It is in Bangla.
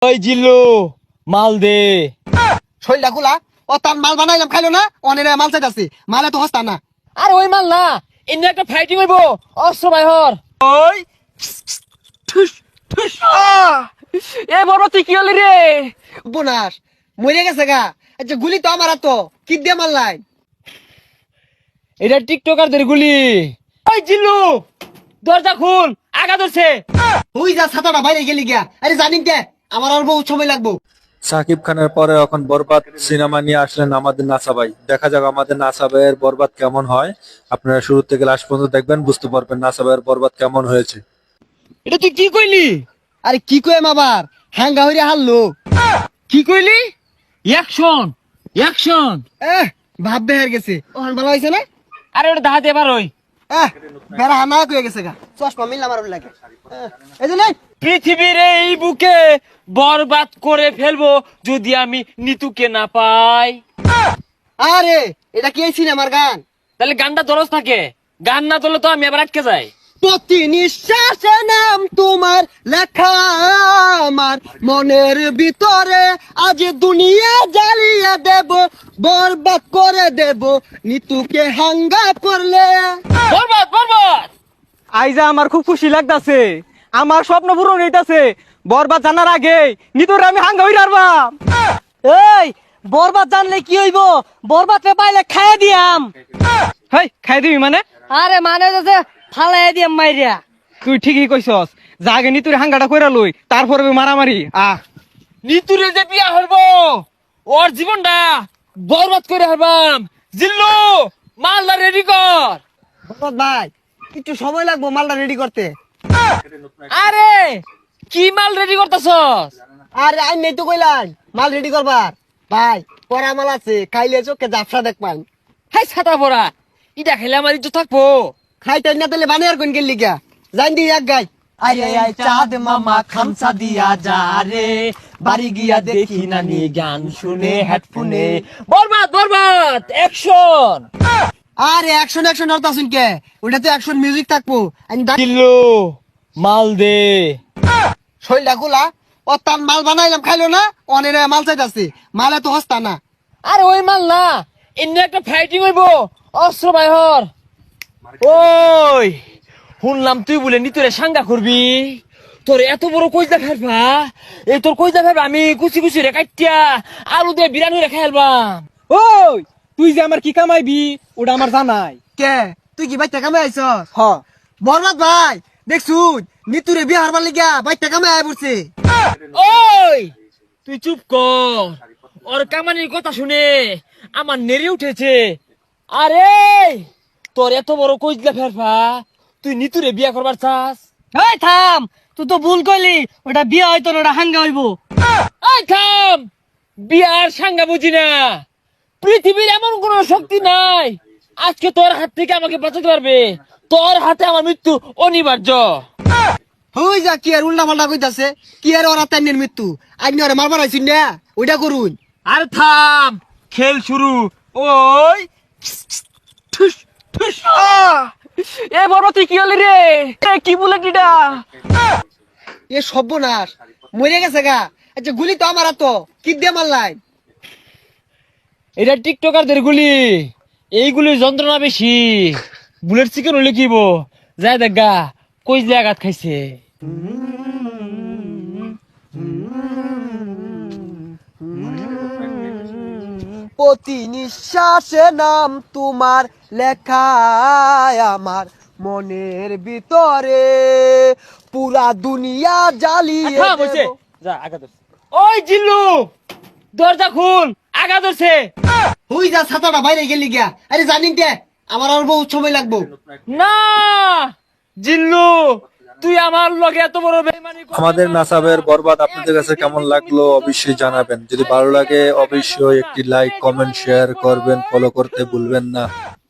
ওই জিল্লু মাল দে। শৈলটা খোলা ও তার মাল বানাইলাম খাইলো না অনেক মাল চাইতাছি মালে তো হস্তা না। আরে ওই মাল না, এমনি একটা ফাইটিং হইব অস্ত্র বাইহর। ওই ঠুস ঠুস এ বড় তুই কি হলি রে? বোনাস মরে গেছে গা। আচ্ছা গুলি তো আমার তো কি দিয়ে মারলাই? এটা টিকটকারদের গুলি। ওই জিল্লু দরজা খুল, আগা ধরছে। ওই যা ছাতাটা বাইরে গেলি গিয়া। আরে জানি কে আমার আর বহু সময় লাগবো। সাকিব খানের পরে এখন বরবাদ সিনেমা নিয়ে আসলেন আমাদের নাসা ভাই। দেখা যাক আমাদের নাসা ভাইয়ের বরবাদ কেমন হয়। আপনারা শুরু থেকে লাস্ট পর্যন্ত দেখবেন, বুঝতে পারবেন নাসা ভাইয়ের বরবাদ কেমন হয়েছে। এটা তুই কি কইলি? আরে কি কইম আবার হাঙ্গা হইরে হারলো। কি কইলি? Action action. ভাব বেহার গেছে ওখান ভালো হয়েছে না? আরে ওটা দাহাতে এবার ওই বেড়া হানা কয়ে গেছে গা। চশমা মিললাম আর লাগে এই যে নেই। পৃথিবীর এই বুকে বরবাদ করে ফেলবো যদি আমি নিতুকে না পাই। আরে এটা কি এই সিনেমার গান? তাহলে গানটা দরজ থাকে, গান না তোলে তো আমি এবার আটকে যাই। প্রতি নিঃশ্বাসে নাম তোমার লেখা আমার মনের ভিতরে, আজ দুনিয়া জ্বালিয়ে দেব, বরবাদ করে দেব নিতুকে হাঙ্গা করলে। বরবাদ বরবাদ। আইজা আমার খুব খুশি লাগতাছে, আমার স্বপ্ন পূরণ হইতাছে। বরবাদ জানার আগে নিতর আমি হাঙ্গা হই রারবাম। এই বরবাদ জানলে কি হইব? বরবাদ রে পাইলে খাইয়া দিয়াম। হেই খাই দিবি মানে? আরে মানে যে ফালাই দিয়াম মাইরিয়া। তুই ঠিকই কইছস, জাগে নিতুর হাঙ্গাটা কইরা লই, তারপরে মারামারি। নিতুরে যে বিয়া হইবো ওর জীবনটা বরবাদ করে হারবাম। জিল্লু মালদা রেডি কর। বরবাদ ভাই একটু সময় লাগবো মালটা রেডি করতে। আরে কি মাল রেডি করতেছস? আরে আই নেই তো কইলাম মাল রেডি করবার। ভাই পরা মাল আছে, খাইলে চোখে জাফরা দেখ পাই। হাই ছাতা পড়া, ইটা খেলে আমার ইজ্জত থাকবো। খাইতে না তাহলে বানিয়ার কোন গেলি গা জান দি এক গাই। আরে আয় চাঁদ মামা খামসা দিয়া যা রে, বাড়ি গিয়া দেখি নানি গান শুনে হেডফোনে। বরবাদ বরবাদ অ্যাকশন। আরে অ্যাকশন অ্যাকশন হরতা শুন কে, ওটা তো অ্যাকশন মিউজিক থাকবো। জিল্লু মাল দে। শৈলটা খোলা ও তার মাল বানাইলাম খাইলো না অনেক মাল চাইতাছি মালে তো হস্তা না। আরে ওই মাল না, এমনি একটা ফাইটিং হইব অস্ত্র বাইহর। ওই শুনলাম তুই বলে নিতরে সাঙ্গা করবি, তোর এত বড় কইজা ফেলবা। এই তোর কইজা ফেলবা আমি কুচি কুচি রে কাটিয়া আলু দিয়ে বিরানি রে খাইলবাম। ওই তুই যে আমার কি কামাইবি ওটা আমার জানাই। কে তুই কি বাইতে কামে আইছ? হ বরবাদ ভাই দেখছুন নিতুরে বিয়ে হারবার লিগা বাইতে কামে আয় পড়ছে। ওই তুই চুপ কর, ওর কামানির কথা শুনে আমার নেড়ে উঠেছে। আরে তোর এত বড় কইজলা ফেরফা, তুই নিতুরে বিয়া করবার চাস? এই থাম, তুই তো ভুল কইলি, ওটা বিয়া হয়তো না, ওটা হাঙ্গা হইব। এই থাম, বিয়ার সাঙ্গা বুঝি না। পৃথিবীর এমন কোন শক্তি নাই আজকে তোর হাত থেকে আমাকে বাঁচাতে পারবে। তোর হাতে আমার মৃত্যু অনিবার্য। হই যা কি আর উল্টা পাল্টা কইতাছে, কি আর ওরা তাইনের মৃত্যু আইনি ওরে মারবার আইছুন না ওইটা করুন। আর থাম, খেল শুরু। ওই ঠুস ঠুস। এ বড় তুই কি হলি রে? কি বলে কিটা? এ সর্বনাশ মরে গেছে গা। আচ্ছা গুলি তো আমার তো কি দিয়ে মারলাই? এটা টিকটকারদের গুলি, এইগুলির যন্ত্রণা বেশি। বুলেট চিকেন হলে কিব যায় দেখা কইজলে আঘাত খাইছে। প্রতি নিঃশ্বাসে নাম তোমার লেখা আমার মনের ভিতরে, পুরা দুনিয়া জ্বালিয়ে থাম হইছে, দেব। যা আঘাত ধরছে। ওই জিল্লু দরজা খুল, আঘাত ধরছে। হই যা ছাতাটা বাইরে গেলি গিয়া। আরে জানি কে আমার আর বহুত সময় লাগবো। না জিল্লু, তুই আমার লগে এত বড় বেইমানি করবি আমাদের না। নাসা ভাইয়ের বরবাদ আপনাদের কাছে কেমন লাগলো অবশ্যই জানাবেন। যদি ভালো লাগে অবশ্যই একটি লাইক কমেন্ট শেয়ার করবেন, ফলো করতে ভুলবেন না।